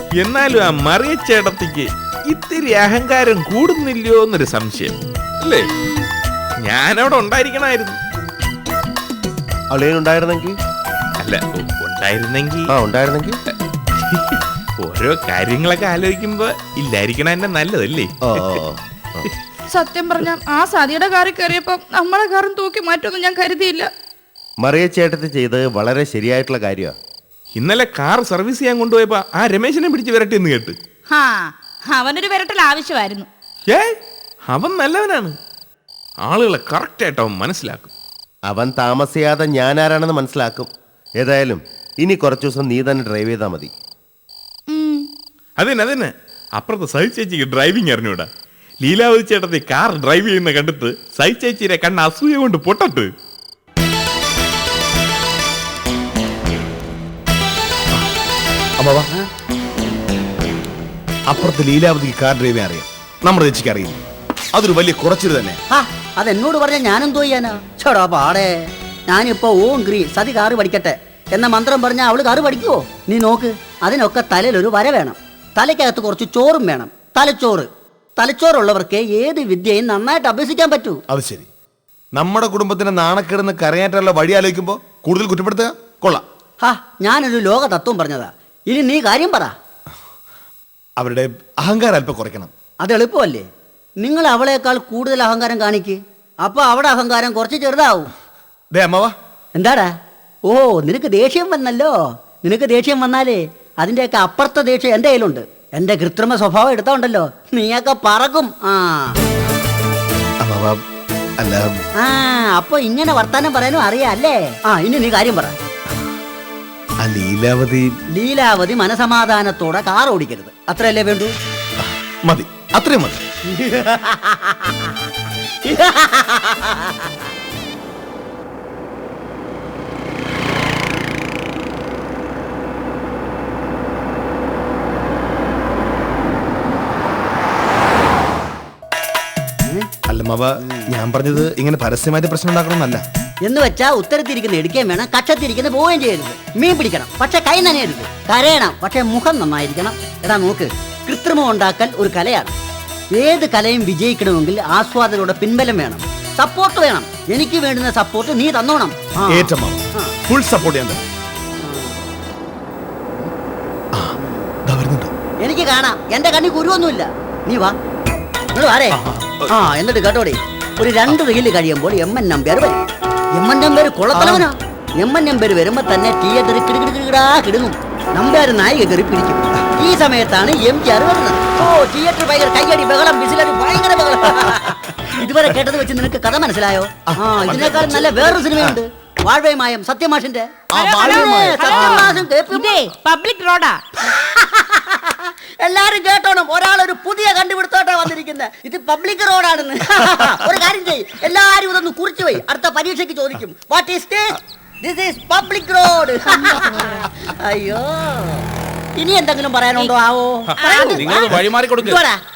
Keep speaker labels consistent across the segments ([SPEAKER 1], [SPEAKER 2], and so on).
[SPEAKER 1] എന്നാലും ആ മറിയ ചേട്ടത്തിക്ക് ഇത്തിരി അഹങ്കാരം കൂടുന്നില്ലയോ എന്നൊരു സംശയം അല്ലേ? ഞാനവിടെ ഉണ്ടായിരിക്കണമായിരുന്നു.
[SPEAKER 2] അളിയനുണ്ടായിരുന്നെങ്കിൽ
[SPEAKER 1] അല്ല, ഉണ്ടായിരുന്നെങ്കിൽ ഓരോ കാര്യങ്ങളൊക്കെ ആലോചിക്കുമ്പോ ഇല്ലായിരിക്കണ എന്നെ നല്ലതല്ലേ?
[SPEAKER 3] സത്യം പറഞ്ഞ ആ സതിയുടെ കാറിൽ കയറിയപ്പോ നമ്മളെ കാറും തൂക്കി മാറ്റുമെന്ന് ഞാൻ കരുതിയില്ല.
[SPEAKER 2] മറിയ ചേട്ടത്തി ചെയ്ത് വളരെ ശരിയായിട്ടുള്ള കാര്യമാണ്.
[SPEAKER 1] ഇന്നലെ കാർ സർവീസ് ചെയ്യാൻ കൊണ്ടുപോയപ്പോ ആ രമേശിനെ പിടിച്ച് വിരട്ടിയെന്ന് കേട്ട്.
[SPEAKER 3] അവനൊരു വിരട്ടൽ ആവശ്യമായിരുന്നു.
[SPEAKER 1] അവൻ നല്ലവനാണ്. ആളുകളെ കറക്റ്റ് ആയിട്ട് അവൻ മനസ്സിലാക്കും.
[SPEAKER 2] അവൻ താമസിയാതെ ഞാനാരാണെന്ന് മനസ്സിലാക്കും. ഏതായാലും ഇനി കുറച്ചു ദിവസം നീ തന്നെ ഡ്രൈവ് ചെയ്താൽ മതി.
[SPEAKER 1] അതന്നെ അപ്പുറത്ത് സഹി ചേച്ചിക്ക് ഡ്രൈവിംഗ് അറിഞ്ഞൂടാ. ലീലാവതി ചേട്ടത്തി കാർ ഡ്രൈവ് ചെയ്യുന്ന കണ്ടിട്ട് സഹി ചേച്ചിയുടെ കണ്ണ് അസൂയ കൊണ്ട് പൊട്ടട്ട്.
[SPEAKER 4] അപ്പുറത്ത് ലീലാവതിക്ക് കാർ ഡ്രൈവിംഗ് അറിയാം, നമ്മുടെ ചേച്ചിക്ക് അറിയില്ല. അതൊരു വലിയ കുറച്ചിൽ തന്നെ.
[SPEAKER 5] അതെന്നോട് പറഞ്ഞ ഞാനെന്തോ ചെയ്യാനാ? ചോടാ പാടേ, ഞാനിപ്പോ ഓം ക്രീ സതി കാറ് പഠിക്കട്ടെ എന്ന മന്ത്രം പറഞ്ഞാൽ അവള് കാറ് പഠിക്കുവോ? നീ നോക്ക്, അതിനൊക്കെ തലയിലൊരു വര വേണം, തലയ്ക്കകത്ത് കുറച്ച് ചോറും വേണം. തലച്ചോറുള്ളവർക്ക് ഏത് വിദ്യയും നന്നായിട്ട് അഭ്യസിക്കാൻ പറ്റൂ.
[SPEAKER 4] അത് ശരി. നമ്മുടെ കുടുംബത്തിന് നാണക്കേടുന്ന കരയാറ്റുള്ള വഴി ആലോചിക്കുമ്പോ കൂടുതൽ കുറ്റപ്പെടുത്തുക കൊള്ളാം.
[SPEAKER 5] ഞാനൊരു ലോക തത്വം പറഞ്ഞതാ. ഇനി നീ കാര്യം പറ.
[SPEAKER 4] അവരുടെ അഹങ്കാരം അല്പം കുറയ്ക്കണം.
[SPEAKER 5] അത് എളുപ്പമല്ലേ? നിങ്ങൾ അവളേക്കാൾ കൂടുതൽ അഹങ്കാരം കാണിക്ക്, അപ്പൊ അവിടെ അഹങ്കാരം കുറച്ച് ചെറുതാവും. എന്താടാ? ഓ, നിനക്ക് ദേഷ്യം വന്നല്ലോ. നിനക്ക് ദേഷ്യം വന്നാലേ അതിൻ്റെയൊക്കെ അപ്പുറത്തെ ദേഷ്യം എൻ്റെ കയ്യിലുണ്ട്. എൻ്റെ കൃത്രിമ സ്വഭാവം എടുത്തോണ്ടല്ലോ നീയൊക്കെ പറക്കും. അപ്പൊ ഇങ്ങനെ വർത്താനം പറയാനും അറിയാം അല്ലേ? ഇനി നീ കാര്യം പറ. ലീലാവതി മനസമാധാനത്തോടെ കാർ ഓടിക്കരുത്, അത്രയല്ലേ വേണ്ടൂ?
[SPEAKER 4] മതി, അത്രയും മതി. അല്ല മാവ, ഞാൻ പറഞ്ഞത് ഇങ്ങനെ പരസ്യമായിട്ട് പ്രശ്നം ഉണ്ടാക്കണമെന്നല്ല.
[SPEAKER 5] എന്ന് വെച്ചാ ഉത്തരത്തിരിക്കുന്ന എടുക്കുകയും വേണം, കക്ഷത്തിരിക്കുന്ന പോവുകയും ചെയ്യരുത്. മീൻ പിടിക്കണം, പക്ഷെ കൈ നനയരുത്. കരയണം, പക്ഷെ മുഖം നന്നായിരിക്കണം. എടാ നോക്ക്, കൃത്രിമം ഉണ്ടാക്കൽ ഒരു കലയാണ്. ഏത് കലയും വിജയിക്കണമെങ്കിൽ ആസ്വാദകരുടെ പിൻബലം വേണം, സപ്പോർട്ട് വേണം. എനിക്ക് വേണ്ടുന്ന സപ്പോർട്ട് നീ തന്നോണം.
[SPEAKER 4] ഫുൾ സപ്പോർട്ട് ചെയ്യാൻ.
[SPEAKER 5] എനിക്ക് കാണാം, എന്റെ കണ്ണി കുരുവൊന്നുമില്ല. നീ വാ, വാരേ. എന്നിട്ട് കേട്ടോടെ, ഒരു 2 റീല് കഴിയുമ്പോൾ എം.എൻ. നമ്പ്യാർ വരും. എം.എൻ. നമ്പ്യാർ കൊള്ളത്തലവനാ. എം.എൻ. നമ്പ്യാർ വരുമ്പോ തന്നെ തിയേറ്ററിൽ കിടുകിടാ നമ്പ്യാർ നായിക കയറി പിടിക്കും. ഈ സമയത്താണ് എം.ജി.ആർ വരുന്നത്. തിയേറ്റർ ഭയങ്കര കയ്യടി, ബഹളം, വിസിലടി, ഭയങ്കര ബഹളം. ഇതുവരെ കേട്ടത് വെച്ച് നിനക്ക് കഥ മനസ്സിലായോ? ഇതിനേക്കാൾ നല്ല വേറൊരു സിനിമയുണ്ട്, വാഴ്വയമായം, സത്യമാഷിന്റെ.
[SPEAKER 3] പബ്ലിക് റോഡാ.
[SPEAKER 5] എല്ലാരും കേട്ടോണം, ഒരാളൊരു പുതിയ കണ്ടുപിടുത്തോട്ടാ വന്നിരിക്കുന്നത്. ഇത് പബ്ലിക് റോഡാണെന്ന്. ഒരു കാര്യം ചെയ്യ്, എല്ലാരും ഇതൊന്ന് കുറിച്ചു പോയി അടുത്ത പരീക്ഷയ്ക്ക് ചോദിക്കും. What is this? This is public road. അയ്യോ, ഇനി എന്തെങ്കിലും പറയാനുണ്ടോ? ആവോ,
[SPEAKER 1] വഴിമാറി കൊടുക്കുക.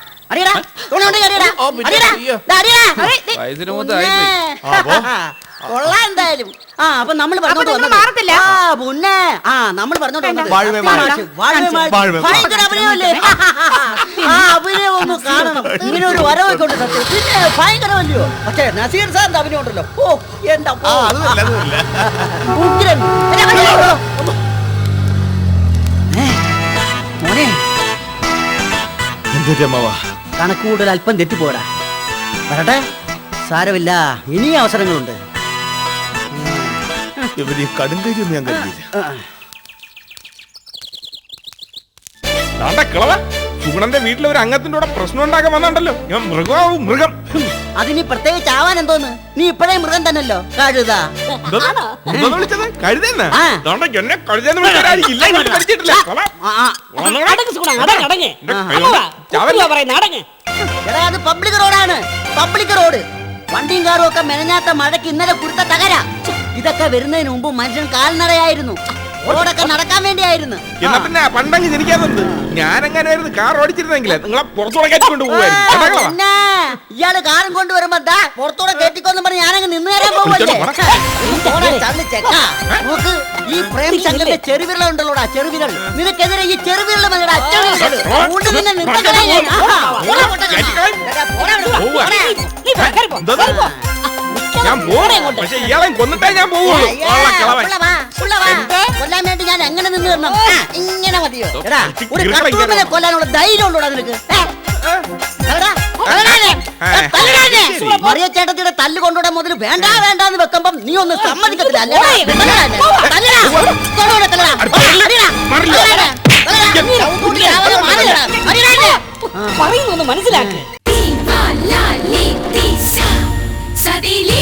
[SPEAKER 5] കൊള്ളാം എന്തായാലും. അപ്പൊ നമ്മൾ പറഞ്ഞോണ്ട് നമ്മൾ പറഞ്ഞോണ്ട് ഭയങ്കര അഭിനയമല്ലേ? അഭിനയം ഒന്ന് കാണണം. ഇങ്ങനെ ഒരു വരവൊക്കെ ഉണ്ട് സത്യം. പിന്നെ ഭയങ്കരമല്ലയോ? പക്ഷേ നസീർ സാറിന്റെ അഭിനയം ഉണ്ടല്ലോ, ഓ എന്താ ഉഗ്രൻ. മോനെ, കണക്ക് കൂടുതൽ അല്പം തെറ്റിപ്പോടാ. വരട്ടെ, സാരമില്ല, ഇനിയും അവസരങ്ങളുണ്ട്.
[SPEAKER 4] കടുങ്കൈയൊന്നും ഞാൻ കരുതിയില്ല.
[SPEAKER 1] സുഗുണന്റെ വീട്ടിലെ ഒരു അംഗത്തിന്റെ കൂടെ പ്രശ്നം ഉണ്ടാക്കാൻ വന്നുണ്ടല്ലോ. ഞാൻ മൃഗം.
[SPEAKER 5] അതിന് പ്രത്യേകിച്ച് ആവാൻ എന്തോന്ന്? നീ ഇപ്പഴേ മൃഗം തന്നല്ലോ, കഴുത.
[SPEAKER 1] വിളിച്ചത് കഴുതെന്നാ?
[SPEAKER 5] എടാ, അത് പബ്ലിക് റോഡാണ്, പബ്ലിക് റോഡ്. വണ്ടിയും കാറും ഒക്കെ മെനഞ്ഞാത്ത മഴയ്ക്ക് ഇന്നലെ കൊടുത്ത തകര. ഇതൊക്കെ വരുന്നതിന് മുമ്പ് മനുഷ്യൻ കാൽനടയായിരുന്നു. റോഡൊക്കെ നടക്കാൻ വേണ്ടിയായിരുന്നു.
[SPEAKER 1] എന്നാ പിന്നെ പണ്ടങ്ങ് ജനിക്കാതുണ്ട്. ഞാനെങ്ങനെയായിരുന്നു കാർ ഓടിച്ചിരുന്നെങ്കിലേ നിങ്ങളെ പുറത്തുകൂടെ കയറ്റിക്കൊണ്ട് പോകുമായിരുന്നു.
[SPEAKER 5] പിന്നെ ഇയാള് കാറും കൊണ്ടുവരുമ്പോ ദാ പുറത്തൂടെ കേട്ടിക്കൊന്നും പറഞ്ഞ് ഞാനങ്ങ് നിന്ന് തരാൻ പോവല്ലേ. നോക്ക്, ഈ പ്രേം ശങ്കറിന്റെ ചെറുവിരൽ ഉണ്ടല്ലോടാ, ചെറുവിരൽ. നിനക്കെതിരെ ഈ ചെറുവിരൽ മതിയുടെ അച്ഛൻ
[SPEAKER 1] ഞാൻ പോകും, പക്ഷെ ഇയാളെ കൊന്നിട്ടേ ഞാൻ പോവുള്ളൂ.
[SPEAKER 5] കൊല്ലാൻ വേണ്ടി ഞാൻ എങ്ങനെ നിന്ന് തരണം? ഇങ്ങനെ മതിയോ? എടാ, ഒരു കട്ടൂമ്മനെ കൊല്ലാനുള്ള ധൈര്യം ഉണ്ടോടാ നിനക്ക്? മറിയ ചേട്ടത്തിയുടെ തല്ല് കൊണ്ടുവിടാൻ മുതൽ വേണ്ട വേണ്ടാന്ന് വെക്കുമ്പം നീ ഒന്ന് സമ്മതിക്കത്തില്ല.
[SPEAKER 6] പറയുന്നൊന്ന് മനസ്സിലാക്കി.